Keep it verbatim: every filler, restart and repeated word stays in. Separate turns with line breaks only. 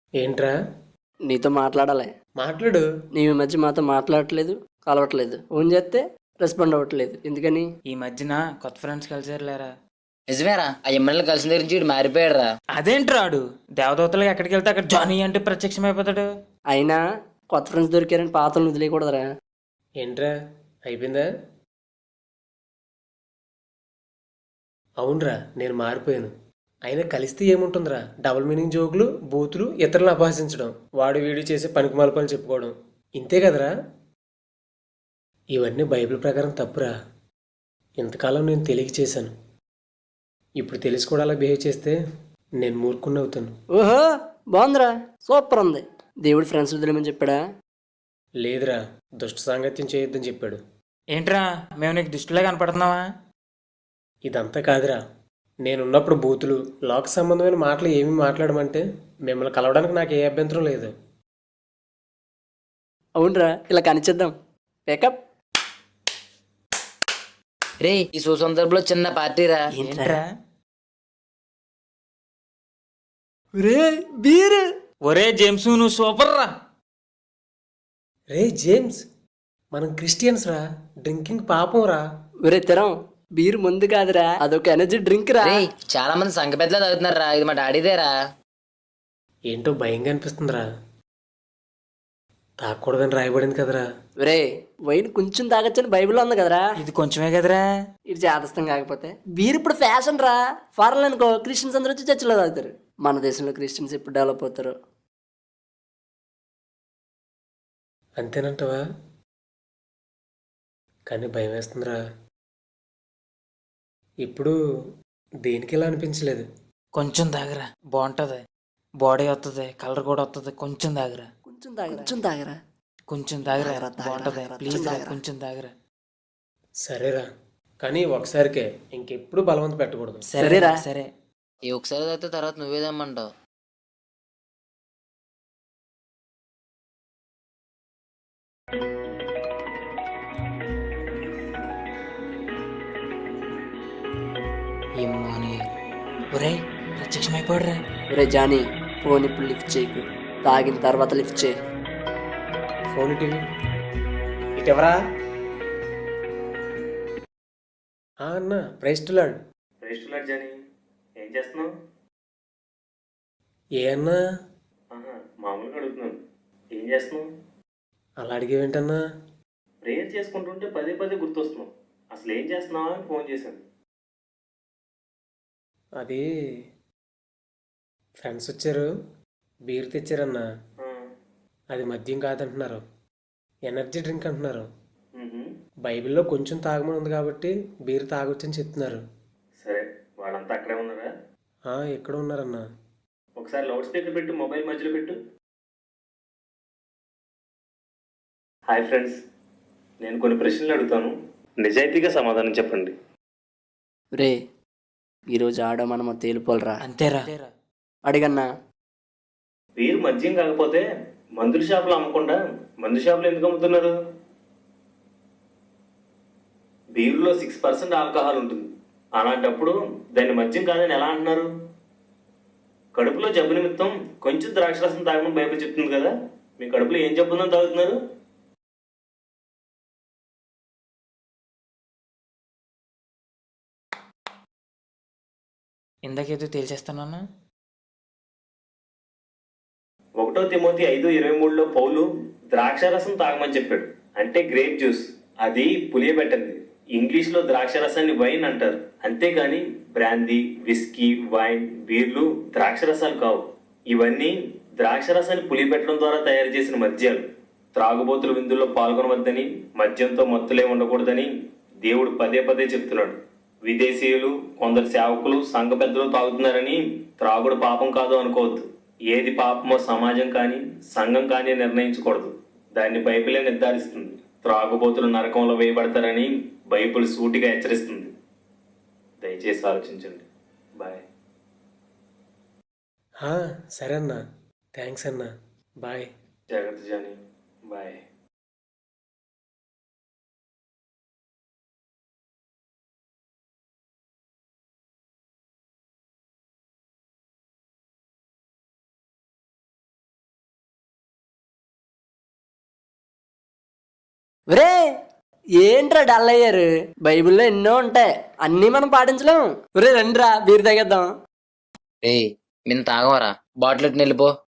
ఏంట్రా?
నీతో మాట్లాడాలి.
మాట్లాడు.
నీవు ఈ మధ్య మాతో మాట్లాడట్లేదు, కలవట్లేదు. ఫోన్ చేస్తే రెస్పాండ్ అవ్వట్లేదు. ఎందుకని?
ఈ మధ్యన కొత్త ఫ్రెండ్స్ కలిసారు లేరా?
నిజమేరా, ఆ ఎమ్మెల్యే కలిసిన దగ్గర నుంచి వీడు మారిపోయాడురా.
అదేంట్రాడు దేవదూతలకు ఎక్కడికి వెళ్తే అక్కడ జానీ అంటే ప్రత్యక్షమైపోతాడు.
అయినా కొత్త ఫ్రెండ్స్ దొరికారని పాతలను వదిలేయకూడదురా.
ఏంట్రా? అయిపోయిందా? అవునరా, నేను మారిపోయాను. అయినా కలిస్తే ఏముంటుందిరా? డబుల్ మీనింగ్ జోకులు, బూతులు, ఇతరులను అపహసించడం, వాడు వీడు చేసే పనికిమాల పనులు చెప్పుకోవడం, ఇంతే కదరా? ఇవన్నీ బైబిల్ ప్రకారం తప్పురా. ఇంతకాలం నేను తెలియక చేశాను. ఇప్పుడు తెలిసి కూడా అలా బిహేవ్ చేస్తే నేను మూర్ఖుణ్ణి అవుతాను.
ఓహో, బాగుందిరా, సూపర్ ఉంది. దేవుడు ఫ్రెండ్స్ వదిలేమని చెప్పాడా?
లేదురా, దుష్ట సాంగత్యం చేయొద్దని చెప్పాడు.
ఏంట్రా, మేము నీకు దుష్టులా కనపడుతున్నావా?
ఇదంతా కాదురా, నేనున్నప్పుడు బూతులు, లోక సంబంధమైన మాటలు ఏమి మాట్లాడమంటే మిమ్మల్ని కలవడానికి నాకు ఏ అభ్యంతరం లేదు.
అవునరా, ఇలా కనిచేద్దాం. పేకప్.
రే, ఈ సుసందర్భంలో చిన్న పార్టీరా.
ఏంట్రా?
రే బీర్.
ఒరే జేమ్స్, నువ్వు సూపర్ రా.
రే జేమ్స్, మనం క్రిస్టియన్స్ రా, డ్రింకింగ్ పాపం రా.
ఒరే తెరం, బీర్ ముందు కాదురా, అదొక ఎనర్జీ డ్రింక్ రా.
రే, చాలా మంది సంఘ పెద్దలు తాగుతున్నారా, ఇది మా డాడీదేరా.
ఏంటో భయంగా అనిపిస్తుందిరా. తాగకూడదని రాయబడింది కదరా.
ఒరే, వైన్ కొంచెం తాగొచ్చని బైబిల్లో ఉంది కదరా.
ఇది కొంచెమే కదరా.
ఇది చేదస్తం కాకపోతే బీర్ ఇప్పుడు ఫ్యాషన్ రా. ఫారెన్ అనుకో క్రిస్టియన్స్ అందరూ వచ్చి చర్చిలో తాగుతారు. మన దేశంలో క్రిస్టియన్స్ ఎప్పుడు డెవలప్ అవుతారు?
అంతేనంటవా? కానీ భయం వేస్తుందిరా. ఇప్పుడు దేనికి ఇలా అనిపించలేదు.
కొంచెం తాగరా, బాగుంటది. బాడీ వస్తుంది, కలర్ కూడా వస్తుంది. కొంచెం తాగరా,
కొంచెం తాగరా, కొంచెం తాగరా,
కొంచెం తాగరా,
తాగరా, తాగరా,
బాగుంటది.
తాగరా,
ప్లీజ్
కొంచెం
రా,
తాగరా.
కొంచెం తాగరా.
సరేరా, కానీ ఒకసారికే, ఇంకెప్పుడు బలవంత పెట్టకూడదు.
సరేరా,
సరేరా.
సరే.
ఈ ఒకసారి తాగితే తర్వాత నువ్వేదమ్మంటావు.
ఏమో అని. ఒరే, ప్రత్యక్షమైపోడురా.
ఒరే జానీ, ఫోన్ ఇప్పుడు లిఫ్ట్ చేయకు, తాగిన తర్వాత లిఫ్ట్ చేయి.
ఫోన్ టీవీ ఇటెవరా? అన్న, ప్రైస్టులాడ్.
ప్రైస్టులాడ్ జానీ, ఏం చేస్తున్నావు?
ఏ అన్నా?
ఆహా, మామూలుగా అడుగుతున్నాను. ఏం చేస్తున్నావు?
అలా అడిగేవేంటన్నా?
ప్రేయర్ చేసుకుంటుంటే పదే పదే గుర్తొస్తున్నావు. అసలు ఏం చేస్తున్నావా అని ఫోన్ చేశాను.
అది ఫ్రెండ్స్ వచ్చారు, బీర్ తెచ్చారన్నా.
ఆ,
అది మద్యం కాదంటున్నారు, ఎనర్జీ డ్రింక్ అంటున్నారు.
మ్హూ.
బైబిల్లో కొంచెం తాగమని ఉంది కాబట్టి బీర్ తాగొచ్చని చెప్తున్నారు.
సరే, వాళ్ళంతా అక్కడే ఉన్నారా?
ఆ, ఎక్కడ ఉన్నారన్నా?
ఒకసారి లౌడ్ స్పీకర్ పెట్టు, మొబైల్ మధ్యలో పెట్టు. హాయ్ ఫ్రెండ్స్, నేను కొన్ని ప్రశ్నలు అడుగుతాను, నిజాయితీగా సమాధానం చెప్పండి.
రే, ఈరోజు ఆడో మనమో తేలిపోలరా.
అంతేరా.
అడిగన్నా.
బీర్ మద్యం కాకపోతే మందుల షాపులో అమ్మకుండా మందు షాపులో ఎందుకు అమ్ముతున్నారు? బీరులో సిక్స్ పర్సెంట్ ఆల్కహాల్ ఉంటుంది. అలాంటప్పుడు దాన్ని మద్యం కాదని ఎలా అంటున్నారు? కడుపులో జబ్బు నిమిత్తం కొంచెం ద్రాక్షరసం తాగమని బైబిల్ చెప్తుంది కదా, మీ కడుపులో ఏం జబ్బు ఉందని తాగుతున్నారు?
ఇందాకేదో తేల్చేస్తానన్నా.
ఒకటో తిమోతి ఐదు ఇరవై మూడులో పౌలు ద్రాక్షరసం తాగమని చెప్పాడు, అంటే గ్రేప్ జ్యూస్. అది పులియబెట్టండి. ఇంగ్లీష్లో ద్రాక్షరసాన్ని వైన్ అంటారు, అంతేగాని బ్రాందీ, విస్కీ, వైన్, బీర్లు ద్రాక్షరసాలు కావు. ఇవన్నీ ద్రాక్షరసాన్ని పులియబెట్టడం ద్వారా తయారు చేసిన మద్యాలు. త్రాగుబోతుల విందుల్లో పాల్గొనవద్దని, మద్యంతో మత్తులే ఉండకూడదని దేవుడు పదే పదే చెప్తున్నాడు. విదేశీయులు, కొందరు సేవకులు, సంఘ పెద్దలు తాగుతున్నారని త్రాగుడు పాపం కాదు అనుకోవద్దు. ఏది పాపమో సమాజం కానీ సంఘం కానీ నిర్ణయించకూడదు, దాన్ని బైబిలే నిర్ధారిస్తుంది. త్రాగుబోతులు నరకంలో వేయబడతారని బైబిల్ సూటిగా హెచ్చరిస్తుంది. దయచేసి ఆలోచించండి. బాయ్.
సరే అన్నా, థ్యాంక్స్ అన్నా, బాయ్.
జాగ్రత్త జానీ, బాయ్.
ఒరే ఏంట్రా డల్ అయ్యారు? బైబిల్లో ఎన్నో ఉంటాయి, అన్నీ మనం పాటించలేం. ఒరే రండిరా బీర్ తాగేద్దాం.
రే మేము తాగమరా, బాటిల్ ఎట్టు వెళ్ళిపో.